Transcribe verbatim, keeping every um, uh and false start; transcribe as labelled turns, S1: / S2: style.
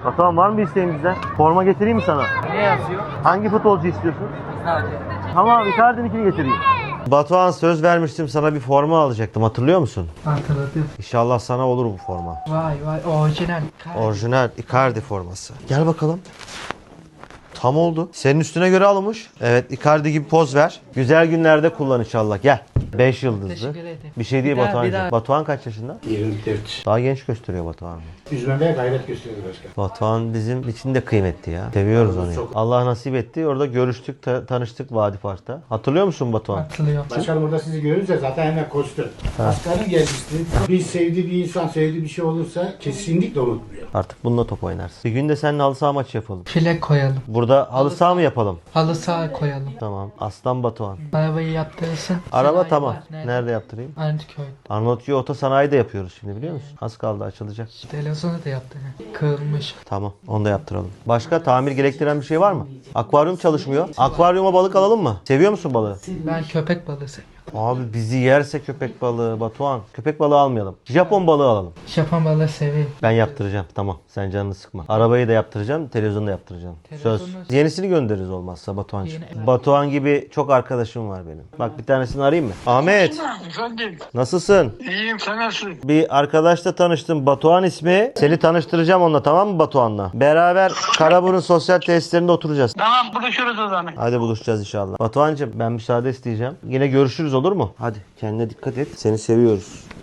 S1: Batuhan var mı bir isteğin bizden? Forma getireyim mi sana?
S2: Ne yazıyor?
S1: Hangi futbolcu istiyorsun?
S2: Hadi.
S1: Tamam, Icardi'ninkini getireyim. Batuhan, söz vermiştim sana, bir forma alacaktım, hatırlıyor musun?
S2: Hatırladım.
S1: İnşallah sana olur bu forma.
S2: Vay vay orijinal.
S1: Orijinal Icardi forması. Gel bakalım. Tam oldu. Senin üstüne göre alınmış. Evet, Icardi gibi poz ver. Güzel günlerde kullan inşallah. Gel. beş yıldızlı.
S2: Teşekkür ederim.
S1: Bir şey değil
S2: Bir daha,
S1: Batuhan'cığım.
S2: bir daha.
S1: Batuhan kaç yaşında?
S3: yirmi dört.
S1: Daha genç gösteriyor Batuhan.
S3: Üzmemeye gayret gösteriyor başkan.
S1: Batuhan bizim için de kıymetli ya. Seviyoruz onu. ya.
S3: Çok.
S1: Allah nasip etti. Orada görüştük, ta- tanıştık Vadi Park'ta. Hatırlıyor musun Batuhan?
S2: Hatırlıyorum.
S3: Başkan burada sizi görünce zaten hemen koştu. Aslanım gelmişti. Bir sevdiği bir insan, sevdiği bir şey olursa kesinlikle unutmuyor.
S1: Artık bununla top oynarsın. Bir gün de seninle halı saha maçı yapalım.
S2: File koyalım.
S1: Burada halı saha mı yapalım?
S2: Halı saha koyalım.
S1: Tamam. Aslan Batuhan.
S2: Arabayı yaptırırsın.
S1: Araba
S2: Sanayi
S1: tamam.
S2: var.
S1: Nerede,
S2: Nerede?
S1: yaptırayım?
S2: Arnavutköy.
S1: Arnavutköy Otosanayi de yapıyoruz şimdi, biliyor musun? Az kaldı, açılacak.
S2: Televizyonu da yaptı. Kırılmış.
S1: Tamam, onu da yaptıralım. Başka tamir gerektiren bir şey var mı? Akvaryum çalışmıyor. Akvaryuma balık alalım mı? Seviyor musun balığı?
S2: Ben köpek balığı seviyorum.
S1: Abi bizi yerse köpek balığı Batuhan. Köpek balığı almayalım. Japon balığı alalım.
S2: Japon balığı seviyorum.
S1: Ben yaptıracağım. Tamam. Sen canını sıkma. Arabayı da yaptıracağım. Televizyonu da yaptıracağım. Söz.
S2: Televizyonu-
S1: Yenisini göndeririz olmazsa Batuhan'cığım.
S2: Yeni-
S1: Batuhan gibi çok arkadaşım var benim. Bak, bir tanesini arayayım mı? Ahmet.
S4: Efendim,
S1: Nasılsın?
S4: iyiyim, sen nasılsın?
S1: Bir arkadaşla tanıştım. Batuhan ismi. Seni tanıştıracağım onunla, tamam mı Batuhan'la? Beraber Karaburun sosyal tesislerinde oturacağız.
S4: Tamam, buluşuruz o zaman.
S1: Hadi buluşacağız inşallah. Batuhan'cığım, ben müsaade isteyeceğim. Yine görüşürüz, olur mu? Hadi kendine dikkat et. Seni seviyoruz.